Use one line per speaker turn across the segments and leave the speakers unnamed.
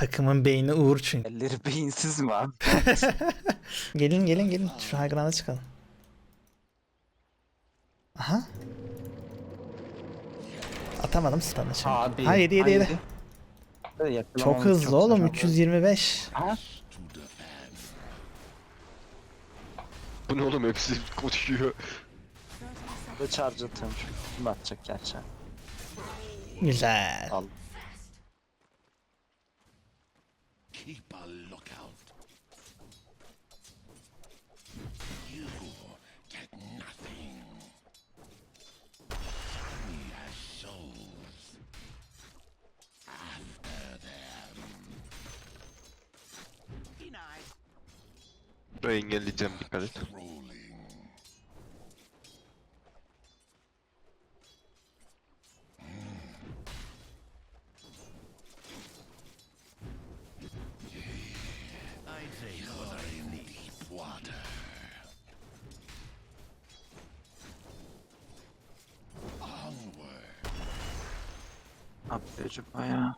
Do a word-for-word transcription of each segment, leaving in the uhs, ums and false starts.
Takımın beyni Uğur çünkü.
Elleri beyinsiz mi abi?
Gelin gelin gelin. Şu high ground'a çıkalım. Aha. Atamadım stun'ı şimdi.
Abi.
Ha yedi yedi yedi. Çok hızlı oğlum. üç yüz yirmi beş.
Ha?
Bu ne oğlum, hepsi koşuyor.
Ve charge atıyormuş. Kim atacak gerçi?
Güzel.
Al.
Keep a lookout. You get nothing. He has souls. After them.
Burayı engelleyeceğim, dikkat et.
Rolling. You're in deep water. Onward.
Ne yapıyor acaba ya?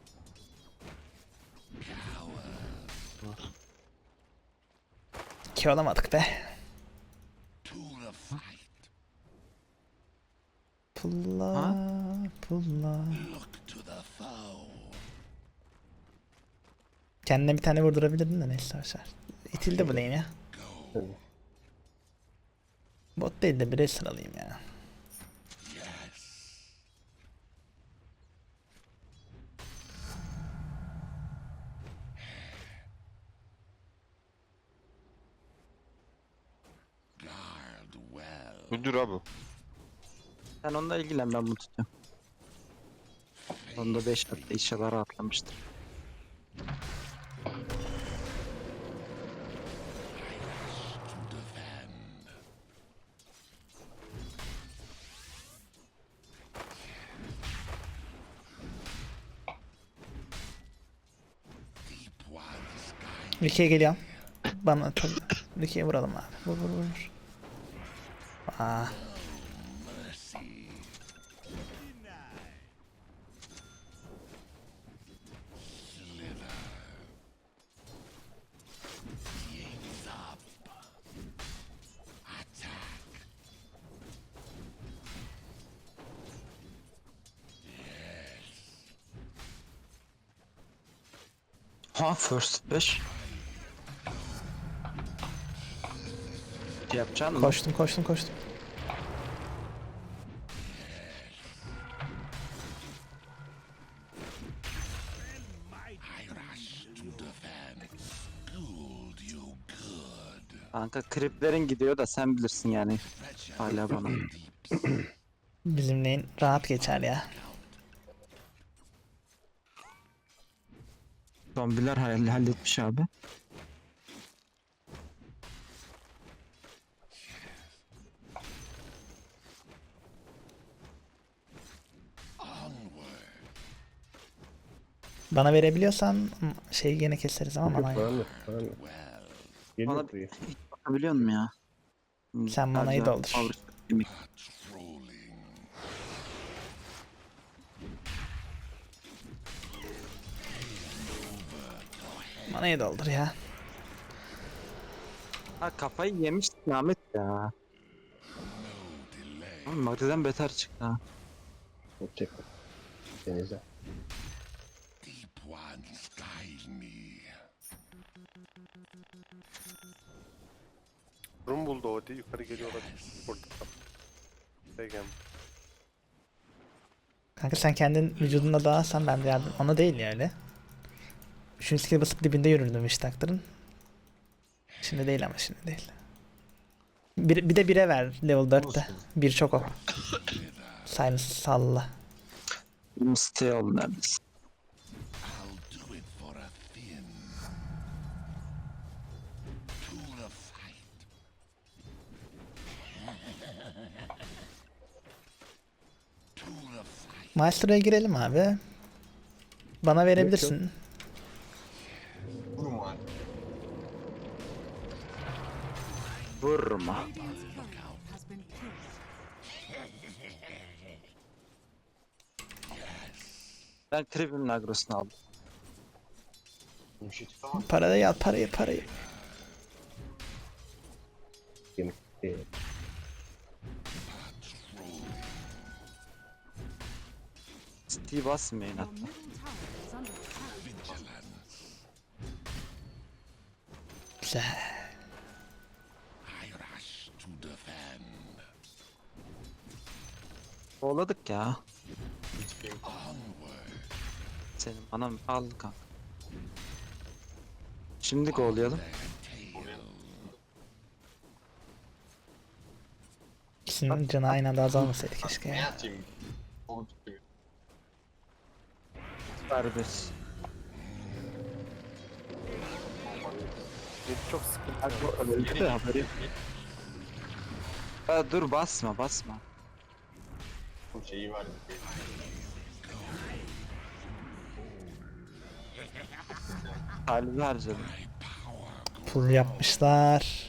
İki olamadık be.
To the fight.
Pulla pulla.
Look to the foe.
Kendine bir tane vurdurabilirdin de neyse başar. İtildi bu lane ya. Bot değil de bire sıralayayım ya.
Guard well.
Öldür abi.
Sen onunla ilgilen, ben bunu tutuyorum. Onda beş hatta inşallah rahatlamıştır.
To defend. Deep one's guide.
Ricky'ye geliyorum. Bana tabii. Ricky'ye vuralım abi. Vur vur vur. vur. Aa.
Mercy. Slither. Yigs up. Attack.
Ha first beş. Şey yapacaksın mı?
Koştum koştum koştum.
I rush to defend. Schooled you good.
Kanka kriplerin gidiyor da sen bilirsin yani. Hala bana.
Bizim lane rahat geçer ya.
Zombiler hall- halletmiş abi.
Bana verebiliyorsan şeyi gene keseriz ama manayı.
Param yok, param yok. Geliyor
Bana
buraya.
bakabiliyor musun ya?
Sen manayı
Sadece
doldur.
power yemek.
Trolling.
Manayı doldur ya.
Ha kafayı yemiş Ahmet ya. Oğlum Magri'den beter çıktı ha.
Çek. Denize.
Deep ones guide me.
Rum buldu o diye yukarı geliyor olabilir. Burada. Peki.
Kanka sen kendin vücudunda dağılsan ben de yardım. Ona değil ya öyle. Üçüncü skill basıp dibinde yürürdüm işte taktırın. Şimdi değil ama şimdi değil. Bir, bir de bire ver level dörtte. Bir çok o. Silence salla.
Mistake oldu neredeyse.
I'll do it for a thin. To the fight. To the fight.
Maestro'ya girelim abi. Bana verebilirsin.
Vurma.
Has been killed.
Ben Kribim'in agrosunu aldım.
Parayı al, parayı, parayı.
Kemik. Ee,
Steve basmayın
Your
hatta.
middle tower is under attack.
Güzel.
I rush to defend.
Kovaladık ya. Senin anam al kanka. Şimdi kovalayalım.
İkisinin canı aynı anda azalmasaydı keşke ya.
Serbest.
Mid çok sıkıntı.
Hadi bu öldü de haberi yok. Ha, dur basma basma. Halini harcadım.
Pull yapmışlar.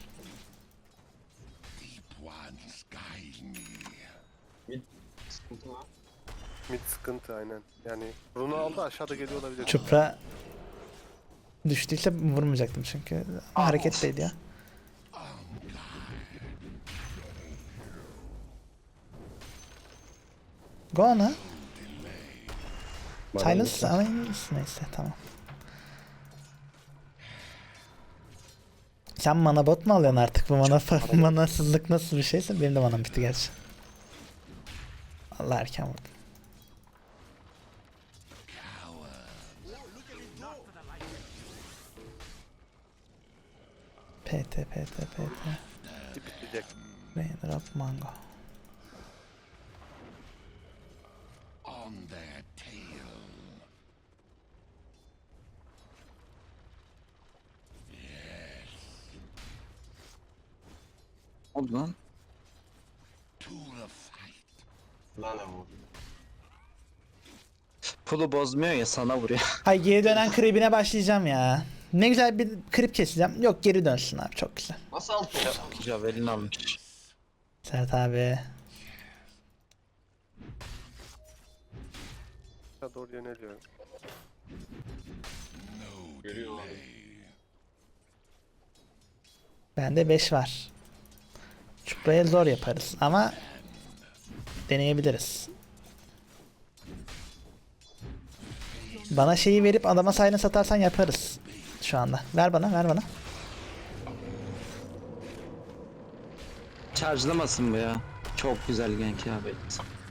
Deep ones guide me.
Mid sıkıntı aynen. Yani Bruno aldı aşağıda geliyor olabilir.
Çupra düştüyse vurmayacaktım çünkü. Ama hareketteydi ya. Go ona. Silence ama neyse tamam. Sen mana bot mu alıyorsun artık? Bu mana manasızlık nasıl bir şeyse benim de manam bitti gerçi. Allah erken vurdum. P T P T P T
Bitecek.
Raindrop Mango.
On their tail.
Oldu lan.
To the fight.
Pulu bozmuyor ya sana vuruyor.
Ay geri dönen kribine başlayacağım ya. Ne güzel bir krip keseceğim. Yok geri dönsün abi çok güzel.
Javelin almış.
Sert abi.
Aşağı doğru yöneliyorum.
Bende beş var. Çupra'ya zor yaparız ama deneyebiliriz. Bana şeyi verip adama sayını satarsan yaparız şu anda. Ver bana, ver bana.
Charge'lamasın bu ya. Çok güzel gank ya böyle.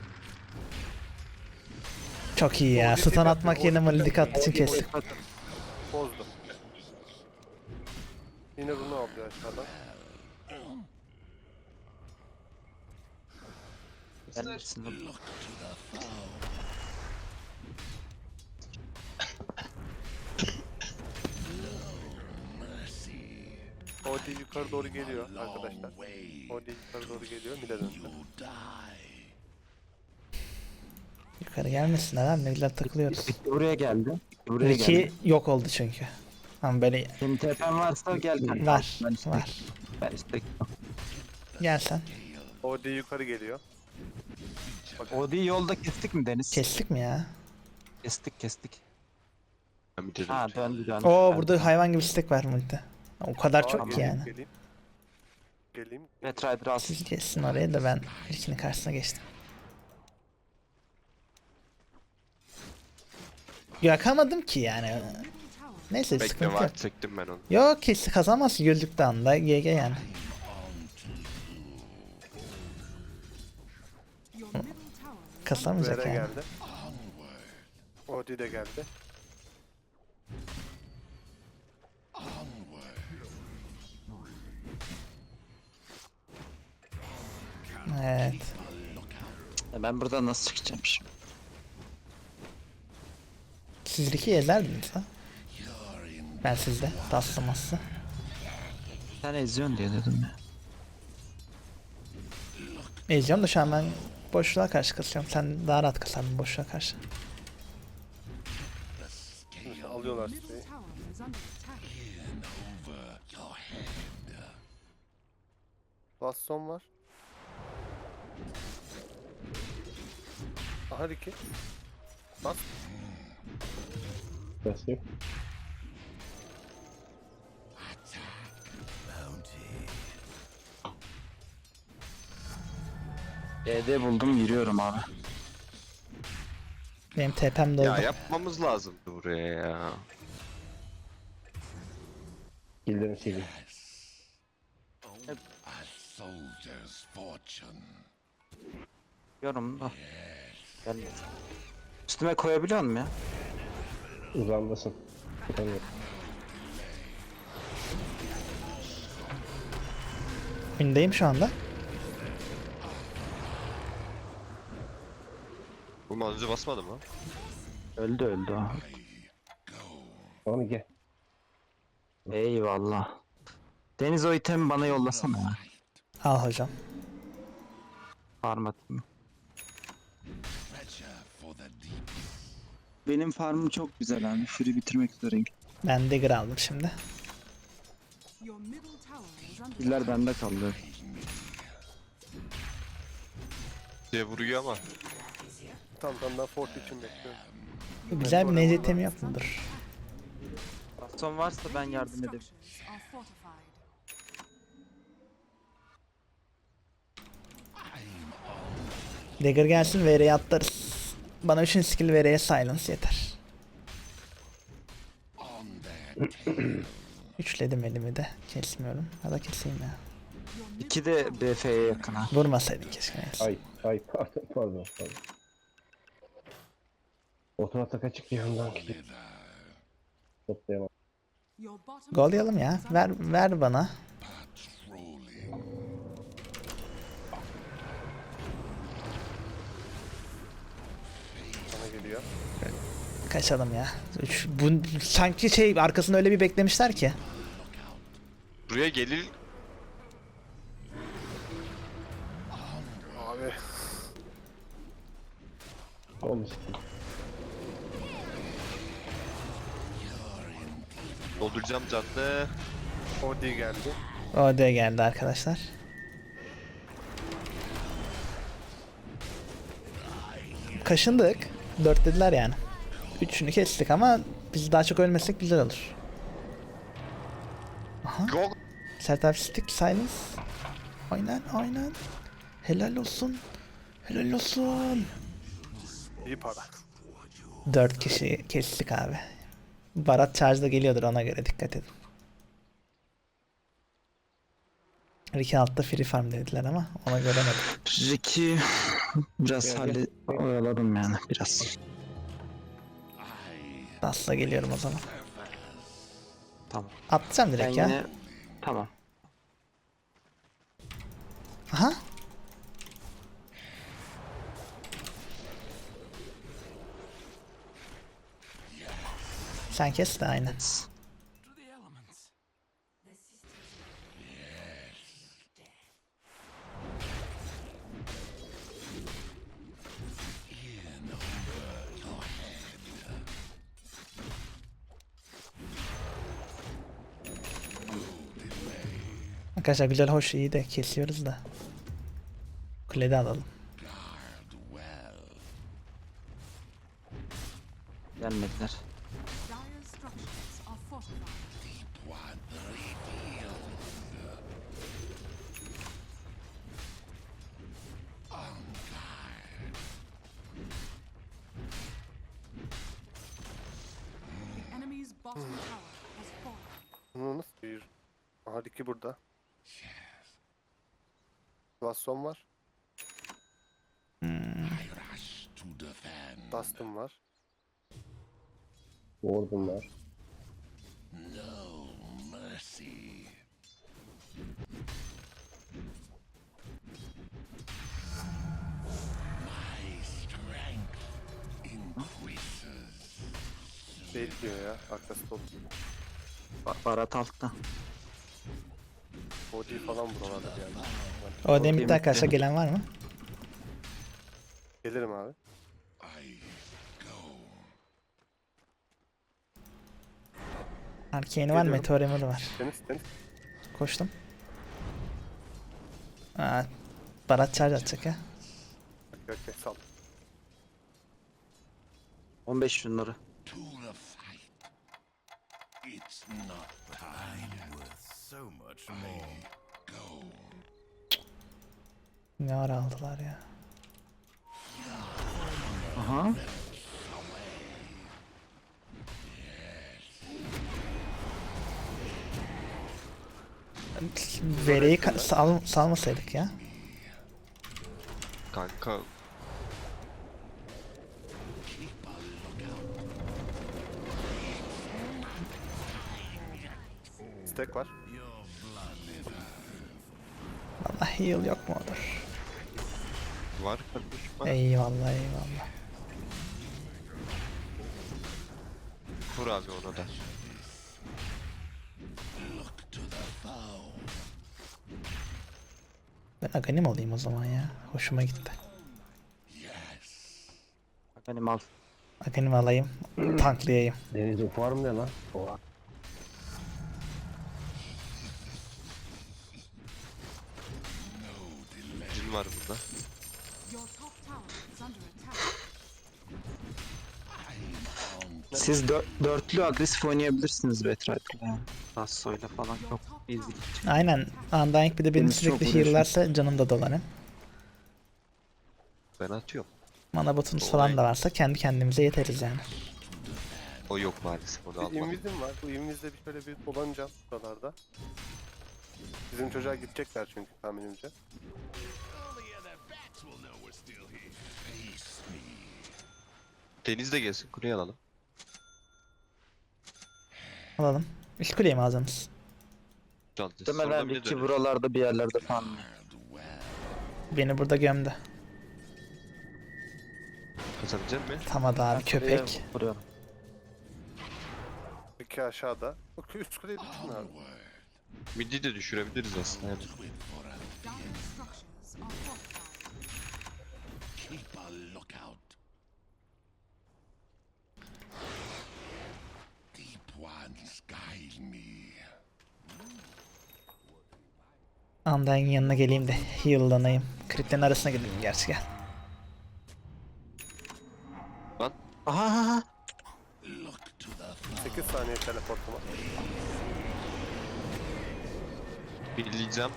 Çok iyi ya. Stun atmak yerine malidik attığı için kestim.
Bozdum. Yine Bruno alıyor aşağıdan.
Gelmesin lan.
Odi yukarı doğru geliyor arkadaşlar. Odi yukarı doğru geliyor. Mid'e döndü.
Yukarı gelmesinler abi. Ne güzel takılıyoruz.
Buraya geldi. Buraya
Ricky
geldi.
yok oldu çünkü. Ama böyle
Senin T P'n varsa gel kanka.
var.
Ben istek-
Var.
Ben istek.
Gel sen.
Odi yukarı geliyor.
Odi yolda kestik mi Deniz?
Kestik mi ya?
Kestik kestik.
Ben bir dedim.
Ha döndü döndü.
Oo burada hayvan gibi stack var multi. O kadar
Aa,
çok ki
geleyim,
yani.
Geleyim. Geleyim.
Red Rider al.
Siz geçsin oraya da ben ikinin karşısına geçtim. Yakamadım ki yani. Neyse
Bekle
sıkıntı yok.
var çektim ben onu.
Yok kesin kazanmazsın güldükte anda G G yani.
Your middle tower is
Kasamayacak
Vere
yani.
geldi. Odi de geldi.
Evet.
Ya ben buradan nasıl çıkacağım şimdi?
Siz Ricky'yi ezerdiniz ha? Ben sizde. Taslaması.
Sen eziyorsun diye dedim ya.
Ezeceğim da şu an ben boşluğa karşı kasıyorum. Sen daha rahat kasardın boşluğa karşı.
Alıyorlar
middle
siteyi.
tower is under attack.
Baston var. Aha Ricky. Bas.
Basayım.
E D buldum yürüyorum abi.
Benim T P'm doldu.
Ya yapmamız lazımdı buraya ya.
Killer'ın sili.
A soldier's fortune.
Yürüyorum da. Gel. Üstüme koyabiliyor muyum ya?
Uzandasın. Tutamıyorum.
Öndeyim şu anda.
Bu manzı basmadı mı?
Öldü öldü o.
Onu gel.
Eyvallah. Deniz o itemi bana yollasana ya.
Al hocam.
Farm atayım.
Treasure for the deep.
Benim farmım çok güzel abi. Fury bitirmek üzereyim.
Ben Dagger aldım şimdi.
Your middle tower is under
Killer bende kaldı.
Diye vuruyor ama.
Tam tam ben Fort için bekliyorum.
Güzel bir Neze itemi yok mudur?
Baston varsa ben yardım ederim.
structures are fortified.
Dagger gelsin V R'ye atlarız. Bana üçüncü skill V R'ye silence yeter.
On their tail.
Üçledim elimi de. Kesmiyorum. Ya da keseyim ya.
Your middle
İki de B F'ye yakın ha.
Vurmasaydın keşke. neyse.
Ay ay pardon pardon pardon. Otomatik açık yanından gidip toplayamam.
Your bottom
Gollayalım ya.
tower is
Ver
under
ver bana.
Patrolling.
Bana geliyor.
Kaçalım ya. Üç, bu, sanki şey arkasında öyle bir beklemişler ki.
Buraya gelir.
Abi
Olmuş.
Dolduracağım cadde.
Odi geldi.
O da geldi arkadaşlar. Kaşındık. Dört dediler yani. Üçünü kestik ama biz daha çok ölmesek güzel olur.
Go.
Sert abi stick silence. Aynen aynen. Helal olsun. Helal olsun.
İyi para.
Dört kişi kestik abi. Barat charge'da geliyordur, ona göre dikkat edin. Ricky altta free farm dediler ama ona göremedim.
Ricky biraz
Gel,
halli oyaladım yani biraz.
Asla geliyorum o zaman.
Tamam.
Atacağım
Ben
direkt ya.
yine tamam.
Aha. Sen kes de aynen. Arkadaşlar güzel hoş iyi de kesiyoruz da. Kulede alalım.
Gelmediler.
dire structures are fortified. The enemy's bottom tower has fallen.
Bunu nasıl bir... Aha Ricky burada. Baston var.
Rush to defend.
Dustin var.
Ward'um var.
No mercy. My strength increases.
Bekliyor ya. Arkası dolu.
Ba- Barat altta.
Odi falan buralarda yani.
O demitte
bitti.
arkadaşlar gelen var mı?
Gelirim abi.
I go.
Arcane'i var,
Geliyorum.
Meteor Emer'ı var.
Deniz Deniz.
Koştum. Aa, Barat charge atacak ya.
Okey okey sal.
on beş şunları.
To the fight. It's not time.
So much more.
Go.
Ne ara aldılar ya.
Aha.
Vereyi ka- sal salmasaydık ya.
Kanka
Stack var.
Vallahi heal yok mu olur?
var kardeşim var.
Eyvallah eyvallah.
Vur abi ona da.
Ben Aghanim olayım o zaman ya. Hoşuma gitti.
Benim al.
Aghanim alayım. Tanklayayım.
Deniz o farm ne lan? Oha.
Cin var burada.
Your top tower is under attack.
Siz dör dörtlü agresif oynayabilirsiniz Betray'la yani. Rasso'yla falan çok easy.
Aynen. Undying bir de beni
Deniz çok
sürekli
uğraşıyor.
heal'larsa canım da dolar hem.
Ben atıyorum.
Mana botumuz falan da varsa kendi kendimize yeteriz yani.
O yok maalesef onu
Bir
almadım.
invizim var. Bu invizle bir şöyle bir dolanacağım buralarda. Bizim çocuğa gidecekler çünkü tahminimce.
Deniz de gelsin kuleyi alalım.
Alalım. İlk kuleyi mi alacaksınız?
Çalacağız.
Demeden
Sonra bir de
ki
döneriz.
buralarda bir yerlerde falan.
Beni burada gömdü.
Kazanabilecek mi?
Tamam abi köpek.
Buraya vuruyorum.
İki aşağıda. Bak üst kuleyi düşün abi.
Midi de düşürebiliriz aslında. Yani.
Dire structures are fortified.
Keep a lookout. Deep ones guide me.
Undying'in yanına geleyim de heal'lanayım. Crit'lerin arasına gireyim gerçi gel.
Lan
Aha aha.
Look to the
sekiz saniye teleportum var.
birleyeceğim.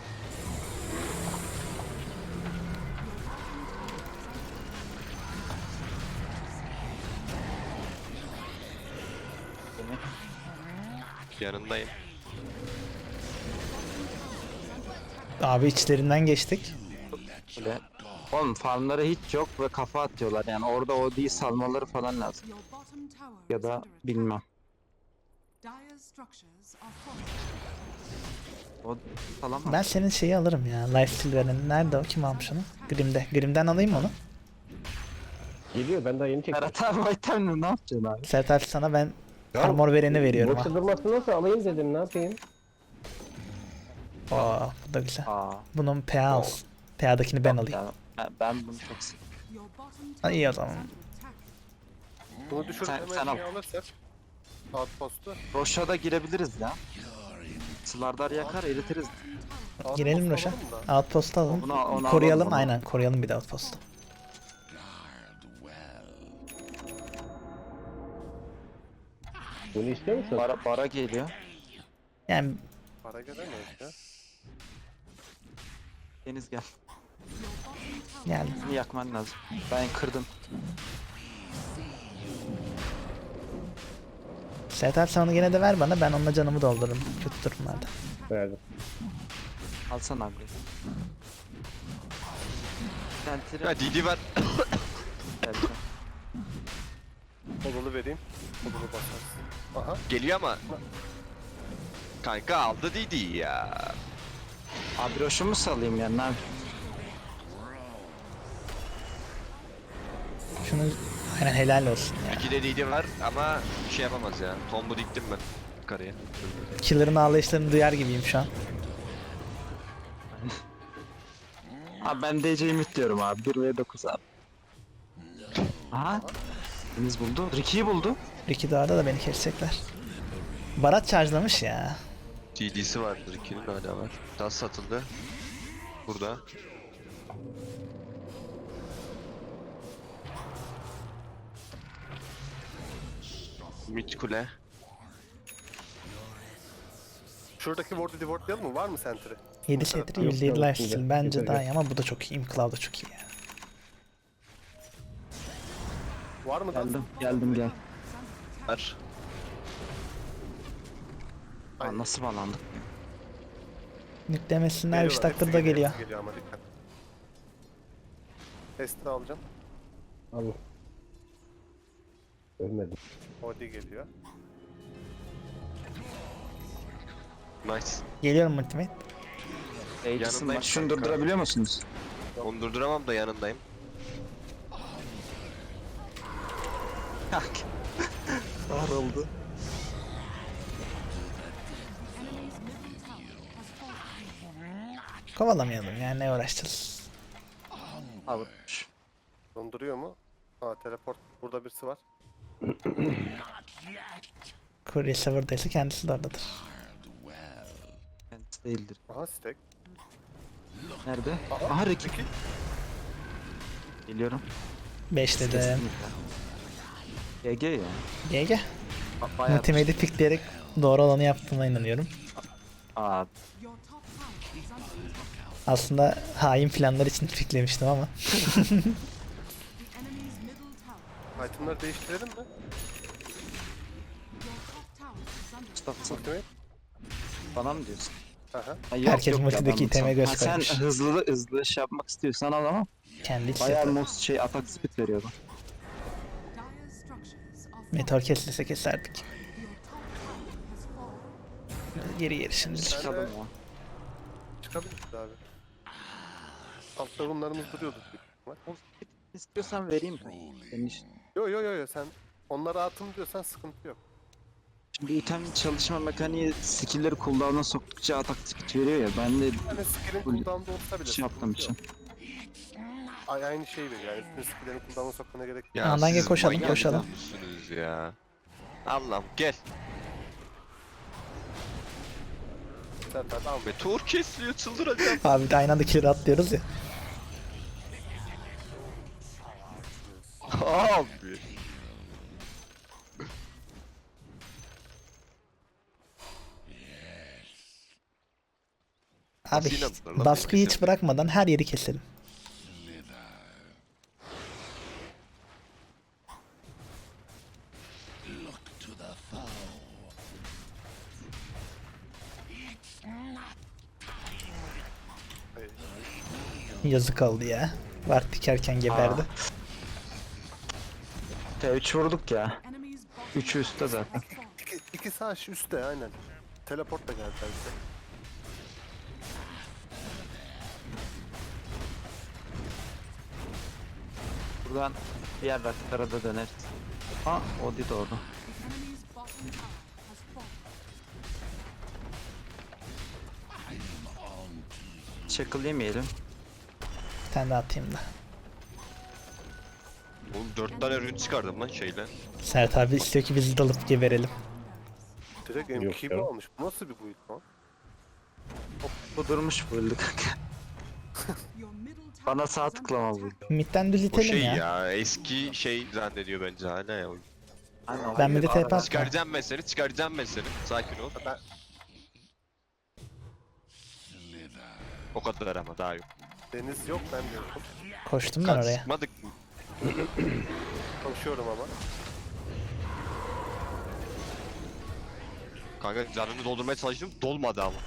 Yanındayım.
Abi içlerinden geçtik.
Böyle. Oğlum farmları hiç yok ve kafa atıyorlar yani orada o değil salmaları falan lazım.
Your bottom tower
Ya
is
da
under attack.
bilmem.
Dire structures are fortified.
O falan mı?
Ben senin şeyi alırım ya. Life Silver'ın. Nerede o? Kim almış onu? Grim'de. Grim'den alayım onu.
Geliyor ben daha yeni çektim.
Ferhat abi itemle ne yapacaksın abi?
Sertaç sana ben
Ya,
armor vereni veriyorum ha.
Boşta durmasın nasıl alayım dedim ne yapayım?
Oo, bu da güzel.
Aa.
Bunun P A olsun. P A'dakini ben alayım.
ya, ben- ben bunu çok seviyorum.
Your bottom
Ha, iyi o
tower is
zaman.
under attack.
Bunu düşürüp
Sen-
hemen
sen
şey
al.
alırsak. Outpost'u.
Roş'a da girebiliriz ya. Slardar yakar eritiriz.
Girelim
Outpost
Roş'a.
alalım da.
Outpost'u alalım.
Onu- onu
Koruyalım
alalım, onu.
aynen. Koruyalım bir de Outpost'u.
guard well.
Bunu istiyor musun?
Bara, bara geliyor.
Yani
Para gelemeyiz ya.
Deniz gel.
yani
Bunu yakman lazım. Ben kırdım.
Sertaç sen onu gene de ver bana. Ben onunla canımı doldururum. Kötü durumlarda.
Verdim.
Alsana abi. Sentry
Ya D D var.
geldi.
Kolunu vereyim. Kolunu basarsın. Aha.
Geliyor ama. Kanka aldı D D'yi ya.
Abi Roş'u mu salayım ya? Ne yapayım?
Şunu aynen helal olsun ya.
İki de D D var ama bir şey yapamaz ya. Tombu diktim ben yukarıya.
Killer'ın ağlayışlarını duyar gibiyim şu an.
Abi ben D C'yi diyorum abi. bir ve dokuz abi. Aha. Deniz buldu. Ricky'yi buldu.
Ricky Dağ'da da beni kesecekler. Barat charge'lamış ya.
D D'si vardır ikinin hala var. Tas satıldı. Burada. Mid kule.
Şuradaki ward'u divortlayalım mı? Var mı sentry?
yedi setri
Yok,
yüzde yedi
yok,
lifesteal
yok,
bence
yok,
daha
yok.
iyi ama bu da çok iyi. Imclaw da çok iyi ya.
Var mı da?
Geldim, geldim gel.
Ver.
Aa, nasıl bağlandık?
Nüklemesinler üç
Geliyorlar,
dakikada
hepsi
da
geliyor,
geliyor.
hepsi geliyor ama dikkat. Testi alacağım.
Al. Ölmedim.
Odi geliyor.
Nice.
Geliyorum ultimate.
Aegis'im
Yanındayım
var. Şunu
kanka.
durdurabiliyor musunuz?
Onu durduramam da yanındayım.
Kahroldu.
Enemy's middle tower has fallen.
Kovalamayalım yani, ne uğraşacağız.
Abi.
Donduruyor mu? Ha teleport. Burada birisi var.
Kuryesi buradaysa kendisi de oradadır.
Kendisi değildir.
Aha stack.
Nerede? Aha rakip. Geliyorum.
beş dedim.
Kesinlikle. G G ya.
G G.
Ba- Bayağı.
Ultimate'i pikleyerek doğru olanı yaptığıma inanıyorum.
Aa,
Your top tower is under attack.
Aslında hain planlar için piklemiştim ama.
The enemy's middle tower.
Itemları değiştirelim mi?
Your top tower is under
Mustafa
Ultimate.
bana mı diyorsun?
Aha.
Ha, yok,
Herkes
yok ya,
multideki
ben
iteme
mutsam.
göz
Ha, sen
koymuş.
hızlı hızlı şey yapmak istiyorsan al ama
Kendi hiç
bayağı
yapar.
most şey atak speed veriyordu.
dire structures are falling.
Meteor kesilse keserdik.
Your top tower has fallen.
Geri geri şimdi.
Çıkalım ya.
Çıkabiliriz abi. Altta runlarımız duruyordu. büyük ihtimal.
İstiyorsan vereyim ben. Senin iş-
Yo yo yo yo sen onları atım diyorsan sıkıntı yok.
Şimdi item çalışma mekaniği skill'leri cooldown'a soktukça atak speed veriyor ya. Ben de
Yani skill'in
Full
cooldown'da olsa bile
şey yaptığım
sıkıntı
için.
yok. Ay, aynı şey veriyor yani. Bütün skill'lerin cooldown'a sokmana gerek yok.
Ya
Andan gel
siz
koşalım,
manyak
koşalım.
mısınız ya? Allah'ım gel.
Zaten al.
Meteor kesiliyor, çıldıracağım.
Abi de aynı anda kill'e atlıyoruz ya.
Abi.
Abi
Nasıl inandılar lan
baskıyı
benim
hiç
kesildiğime?
bırakmadan her yeri keselim.
Look to the foe.
Yazık oldu ya. Vart dikerken geberdi.
T üç vurduk ya.
Enemy's bottom
Üçü üstte zaten.
has fallen.
İki, iki sağ şu üstte aynen. Teleport da geldi bize.
Buradan diğer rakiplara da döneriz. Ha, Odi de orada.
The enemy's bottom tower has fallen.
Shackle yemeyelim.
Bir tane daha atayım da.
Oğlum dört tane ürün çıkardım lan şeyle.
Sert abi istiyor ki bizi dalıp geberelim.
Direkt
Yok
M K
ya.
almış. Bu nasıl bir build lan?
Bu durmuş bu öldü kanka.
Your middle tower
Bana
is
sağ
under
tıklama bu.
attack.
Midden düz
O
itelim
şey
ya.
ya. eski şey zannediyor bence hala ya.
Aynen.
Ben bir de
Hayır,
TP atma.
Çıkaracağım ben seni, çıkaracağım ben seni. Sakin ol.
Ben
O kadar ama daha yok.
deniz yok ben diyorum.
Koştum ben
Kan
oraya.
sıkmadık mı?
Koşuyorum ama.
Kanka canını doldurmaya çalıştım, dolmadı ama.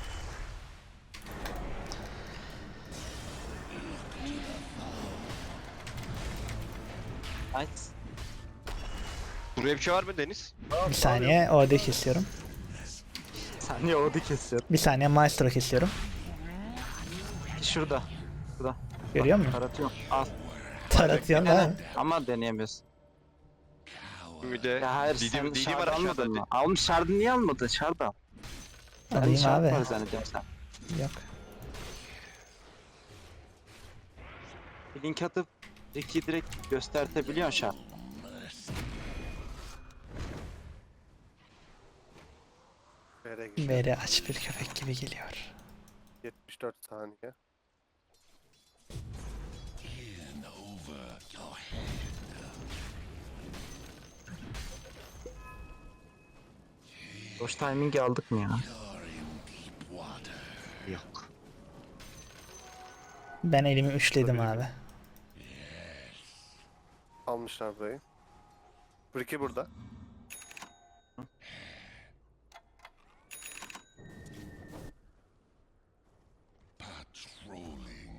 Nice.
Buraya bir şey var mı Deniz?
Bir saniye orada kesiyorum.
Saniye Odi kesiyor.
Bir saniye maestro kesiyorum.
Şurada. Şurada.
Görüyor musun?
Taratıyorum. Al.
Taratıyorsun ha.
Ama deneyemiyorsun.
Bir de
Ya hayır
Didi,
sen
Didi var
şard
aşağıda.
almadın mı? Almış şardı niye almadın? Şard al. Ben
Alayım
şard
abi.
var zannediyorum sen.
Yok.
Bir link atıp Ricky'yi direkt göstertebiliyorsun şard.
Vere gidiyor.
Veri aç bir köpek gibi geliyor.
yetmiş dört saniye.
In over your
Boş timing'i aldık mı ya?
You're in deep water.
Yok.
Ben elimi üçledim abi.
Almışlar burayı. Ricky burada.
Patrolling.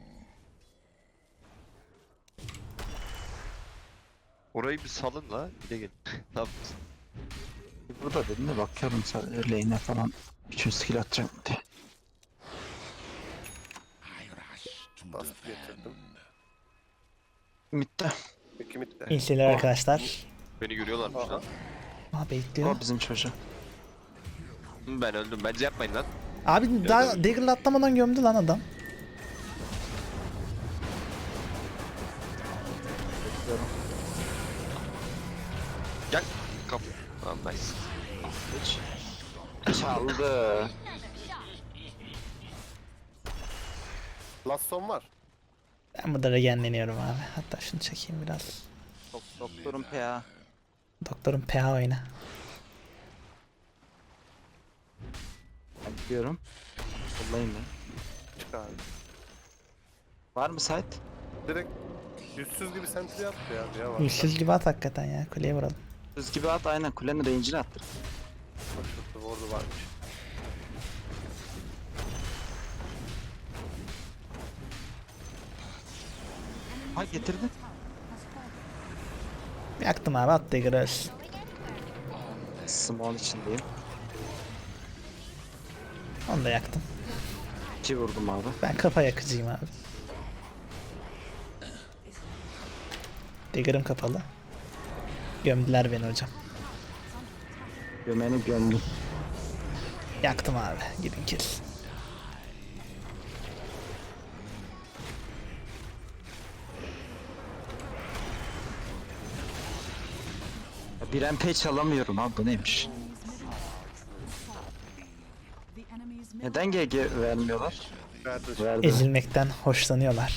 Orayı bir salın la. Bir de gelin. Ne yapıyorsun?
Burada dedim de bakıyorum sadece lane'e falan. Üçün skill atacağım diye.
I rush to
Bastı
defend.
getirdim.
Mid'de.
Ricky midde.
İnsiler arkadaşlar.
Beni görüyorlarmış lan.
Aa bekliyor.
O bizim çocuğu.
Ben öldüm. Bence yapmayın lan.
Abi daha Dagger'la atlamadan gömdü lan adam.
Gel. Kap. Tamam nice.
Çaldı.
Last son var.
Ben burada regenleniyorum abi. Hatta şunu çekeyim biraz.
Dok doktorum P A.
Doktorun P A oyna.
Ben gidiyorum. Kullayayım ben.
Çık abi.
Var mı site?
Direkt yüzsüz gibi sentry yaptı ya. Ya var.
Yüzsüz gibi at hakikaten ya. Kuleye vuralım.
Düz gibi at aynen kulenin range'ini attır.
Bak şurada orada varmış.
Ha getirdin.
Yaktım abi at Dagger'ı ölsün.
Small içindeyim.
Onu da yaktım.
İki vurdum abi.
Ben kafa yakıcıyım abi. Dagger'ım kapalı. Gömdüler beni hocam.
Gömeni gömdüm.
Yaktım abi. Gidin kill.
Ya bir M P çalamıyorum abi bu neymiş?
The enemy's middle
Neden G G vermiyorlar?
Verdi.
Verdi.
Ezilmekten hoşlanıyorlar.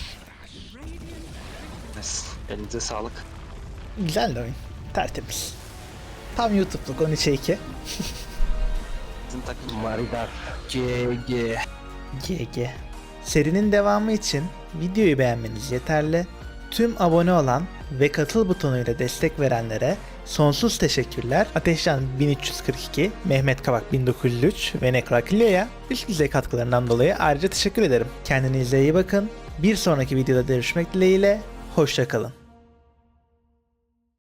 Neyse, elinize sağlık.
Güzel de oyun. Tertemiz. Tam YouTube'luk on üçe iki.
Bizim takım Maridar. G G.
G G. Serinin devamı için videoyu beğenmeniz yeterli. Tüm abone olan ve katıl butonuyla destek verenlere sonsuz teşekkürler. Ateşcan bin üç yüz kırk iki, Mehmet Kavak bin dokuz yüz üç ve Nekrakilyo'ya üst düzey katkılarından dolayı ayrıca teşekkür ederim. Kendinize iyi bakın. Bir sonraki videoda görüşmek dileğiyle. Hoşça kalın.